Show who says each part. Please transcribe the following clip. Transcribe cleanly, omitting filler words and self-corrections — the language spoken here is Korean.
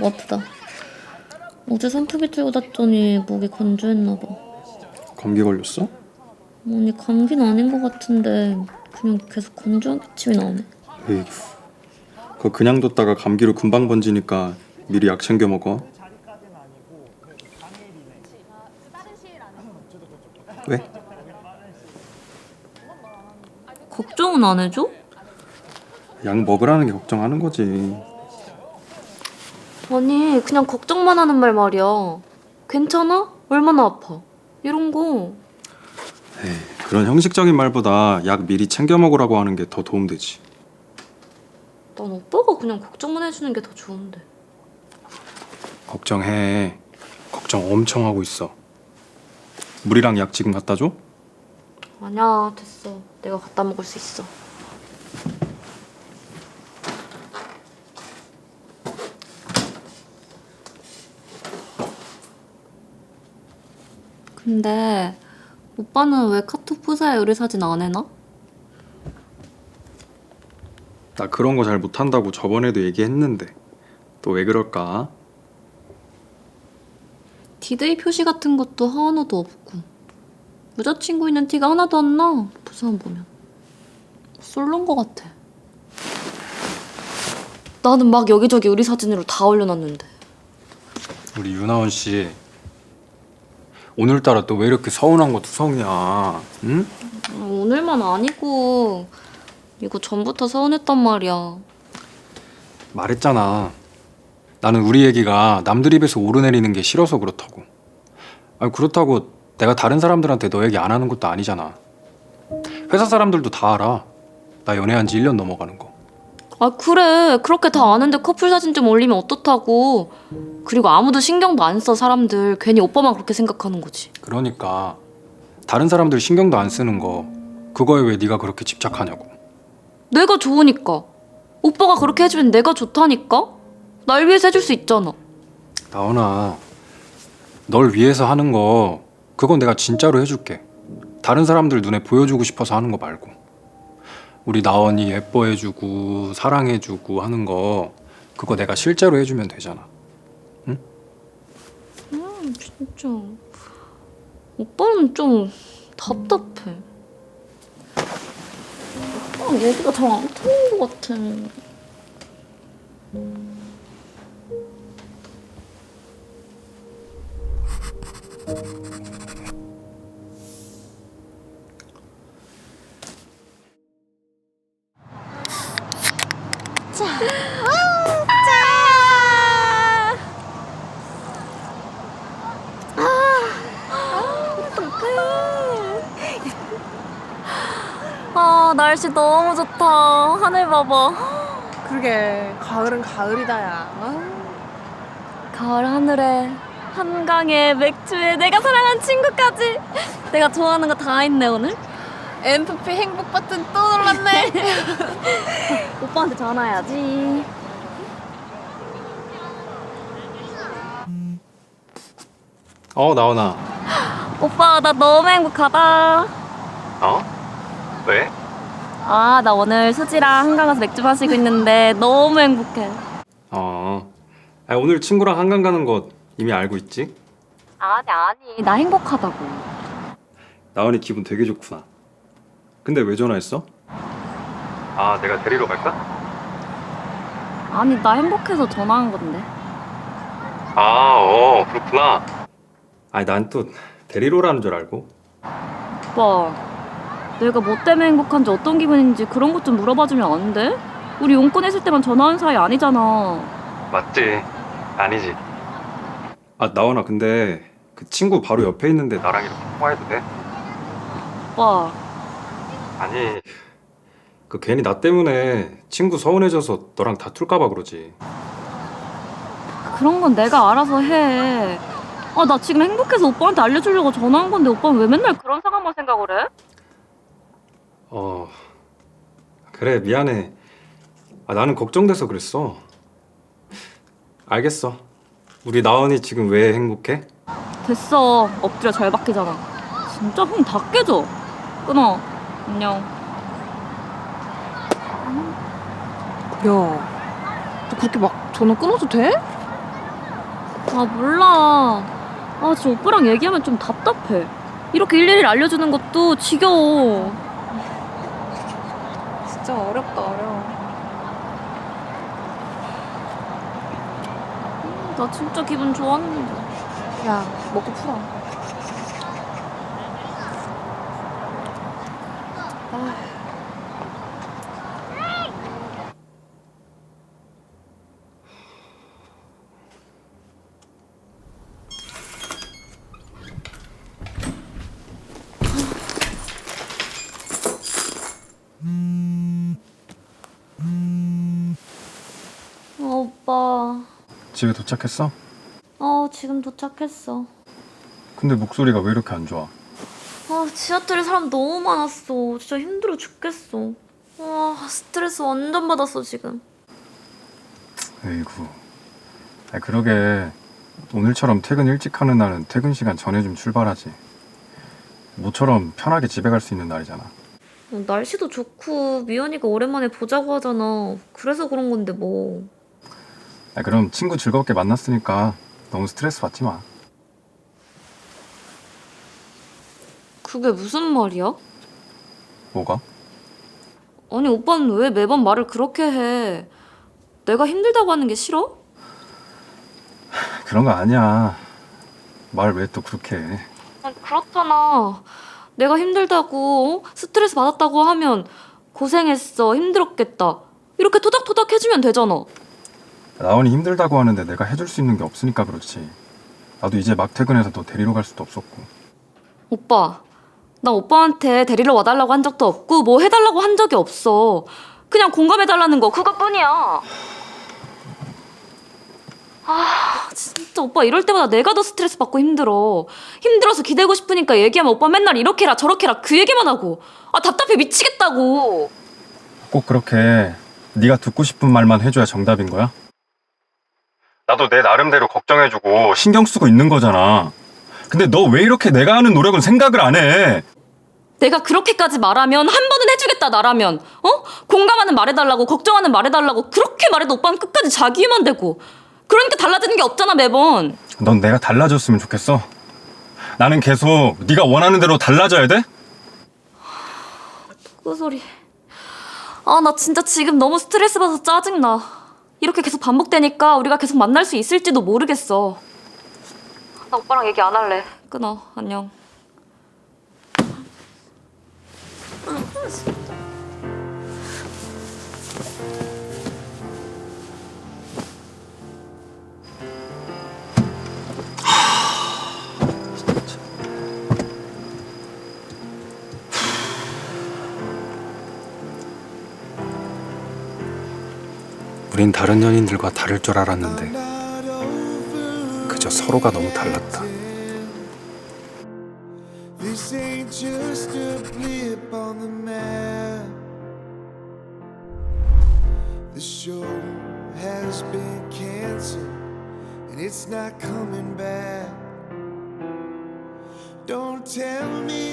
Speaker 1: 아프다. 어제 선풍기 틀고 잤더니 목이 건조했나 봐.
Speaker 2: 감기 걸렸어?
Speaker 1: 아니 감기는 아닌 것 같은데 그냥 계속 건조한 기침이 나오네.
Speaker 2: 에이구, 그거 그냥 뒀다가 감기로 금방 번지니까 미리 약 챙겨 먹어. 왜?
Speaker 1: 걱정은 안 해줘?
Speaker 2: 약 먹으라는 게 걱정하는 거지.
Speaker 1: 아니 그냥 걱정만 하는 말 말이야. 괜찮아? 얼마나 아파? 이런 거.
Speaker 2: 에이, 그런 형식적인 말보다 약 미리 챙겨 먹으라고 하는 게 더 도움되지.
Speaker 1: 난 오빠가 그냥 걱정만 해주는 게 더 좋은데.
Speaker 2: 걱정해. 걱정 엄청 하고 있어. 물이랑 약 지금 갖다 줘?
Speaker 1: 아니야 됐어. 내가 갖다 먹을 수 있어. 근데 오빠는 왜 카톡 프사에 요리 사진 안 해놔?
Speaker 2: 나 그런 거 잘 못한다고 저번에도 얘기했는데 또 왜 그럴까?
Speaker 1: 디데이 표시 같은 것도 하나도 없고 여자친구 있는 티가 하나도 안 나. 부산 보면 솔로인 것 같아. 나는 막 여기저기 요리 사진으로 다 올려놨는데.
Speaker 2: 우리 윤하원 씨 오늘따라 또 왜 이렇게 서운한 거 투성이야? 응?
Speaker 1: 오늘만 아니고 이거 전부터 서운했단 말이야.
Speaker 2: 말했잖아. 나는 우리 얘기가 남들 입에서 오르내리는 게 싫어서 그렇다고. 아니 그렇다고 내가 다른 사람들한테 너 얘기 안 하는 것도 아니잖아. 회사 사람들도 다 알아. 나 연애한 지 1년 넘어가는 거.
Speaker 1: 아 그래 그렇게 다 아는데 커플 사진 좀 올리면 어떻다고. 그리고 아무도 신경도 안 써. 사람들 괜히 오빠만 그렇게 생각하는 거지.
Speaker 2: 그러니까 다른 사람들 신경도 안 쓰는 거 그거에 왜 네가 그렇게 집착하냐고.
Speaker 1: 내가 좋으니까. 오빠가 그렇게 해주면 내가 좋다니까. 날 위해서 해줄 수 있잖아.
Speaker 2: 나원아, 널 위해서 하는 거 그건 내가 진짜로 해줄게. 다른 사람들 눈에 보여주고 싶어서 하는 거 말고. 우리 나원이 예뻐해주고 사랑해주고 하는 거 그거 내가 실제로 해주면 되잖아. 응?
Speaker 1: 진짜 오빠는 좀 답답해. 오빠랑 얘기가 잘 안 통하는 것 같아. 아 날씨 너무 좋다. 하늘 봐봐.
Speaker 3: 그러게 가을은 가을이다 야.
Speaker 1: 가을 하늘에 한강에 맥주에 내가 사랑하는 친구까지. 내가 좋아하는 거 다 있네 오늘.
Speaker 3: MFP 행복 버튼 또 눌렀네.
Speaker 1: 오빠한테 전화해야지.
Speaker 2: 나원아.
Speaker 1: 오빠 나 너무 행복하다.
Speaker 2: 왜?
Speaker 1: 아 나 오늘 수지랑 한강 가서 맥주 마시고 있는데 너무 행복해.
Speaker 2: 오늘 친구랑 한강 가는 거 이미 알고 있지?
Speaker 1: 아니 나 행복하다고.
Speaker 2: 나원이 기분 되게 좋구나. 근데 왜 전화했어? 내가 데리러 갈까?
Speaker 1: 아니 나 행복해서 전화한 건데.
Speaker 2: 그렇구나. 난 또 데리러 오라는 줄 알고.
Speaker 1: 오빠 내가 뭐 때문에 행복한지 어떤 기분인지 그런 것 좀 물어봐주면 안 돼? 우리 용건 했을 때만 전화하는 사이 아니잖아.
Speaker 2: 맞지. 아니지. 나원아, 근데 그 친구 바로 옆에 있는데 나랑 이렇게 통화해도 돼?
Speaker 1: 오빠
Speaker 2: 아니, 그 괜히 나 때문에 친구 서운해져서 너랑 다툴까 봐 그러지.
Speaker 1: 그런 건 내가 알아서 해. 아 나 지금 행복해서 오빠한테 알려주려고 전화한 건데 오빠는 왜 맨날 그런 상황만 생각을 해?
Speaker 2: 그래, 미안해. 나는 걱정돼서 그랬어. 알겠어. 우리 나원이 지금 왜 행복해?
Speaker 1: 됐어. 엎드려 절 박히잖아. 진짜 흥 다 깨져. 끊어. 안녕.
Speaker 3: 야, 너 그렇게 막 전화 끊어도 돼?
Speaker 1: 아, 몰라. 아, 진짜 오빠랑 얘기하면 좀 답답해. 이렇게 일일이 알려주는 것도 지겨워.
Speaker 3: 진짜 어렵다, 어려워.
Speaker 1: 나 진짜 기분 좋았는데.
Speaker 3: 야, 먹고 풀어. 아,
Speaker 1: 오빠.
Speaker 2: 집에 도착했어?
Speaker 1: 지금 도착했어.
Speaker 2: 근데 목소리가 왜 이렇게 안 좋아?
Speaker 1: 지하철에 사람 너무 많았어. 진짜 힘들어 죽겠어. 스트레스 완전 받았어, 지금.
Speaker 2: 에이구. 그러게 오늘처럼 퇴근 일찍 하는 날은 퇴근 시간 전에 좀 출발하지. 모처럼 편하게 집에 갈 수 있는 날이잖아.
Speaker 1: 날씨도 좋고 미연이가 오랜만에 보자고 하잖아. 그래서 그런 건데 뭐.
Speaker 2: 그럼 친구 즐겁게 만났으니까 너무 스트레스 받지 마.
Speaker 1: 그게 무슨 말이야?
Speaker 2: 뭐가?
Speaker 1: 아니, 오빠는 왜 매번 말을 그렇게 해? 내가 힘들다고 하는 게 싫어?
Speaker 2: 그런 거 아니야. 말 왜 또 그렇게 해?
Speaker 1: 아니, 그렇잖아. 내가 힘들다고, 스트레스 받았다고 하면 고생했어, 힘들었겠다. 이렇게 토닥토닥 해주면 되잖아.
Speaker 2: 나원이 힘들다고 하는데 내가 해줄 수 있는 게 없으니까 그렇지. 나도 이제 막 퇴근해서 너 데리러 갈 수도 없었고.
Speaker 1: 오빠, 나 오빠한테 데리러 와달라고 한 적도 없고 뭐 해달라고 한 적이 없어. 그냥 공감해달라는 거 그것뿐이야. 진짜 오빠 이럴 때마다 내가 더 스트레스 받고 힘들어. 힘들어서 기대고 싶으니까 얘기하면 오빠 맨날 이렇게 해라 저렇게 해라 그 얘기만 하고. 답답해 미치겠다고.
Speaker 2: 꼭 그렇게 네가 듣고 싶은 말만 해줘야 정답인 거야? 나도 내 나름대로 걱정해주고 신경 쓰고 있는 거잖아. 근데 너 왜 이렇게 내가 하는 노력은 생각을 안 해?
Speaker 1: 내가 그렇게까지 말하면 한 번은 해주겠다 나라면. 공감하는 말해달라고 걱정하는 말해달라고 그렇게 말해도 오빠는 끝까지 자기 위만 되고. 그러니까 달라지는 게 없잖아 매번.
Speaker 2: 넌 내가 달라졌으면 좋겠어. 나는 계속 네가 원하는 대로 달라져야 돼?
Speaker 1: 그 소리. 나 진짜 지금 너무 스트레스 받아서 짜증나. 이렇게 계속 반복되니까 우리가 계속 만날 수 있을지도 모르겠어. 나 오빠랑 얘기 안 할래. 끊어. 안녕.
Speaker 2: 우린 다른 연인들과 다를 줄 알았는데 그저 서로가 너무 달랐다.
Speaker 4: This ain't just a blip on the map. The show has been canceled and it's not coming back. Don't tell me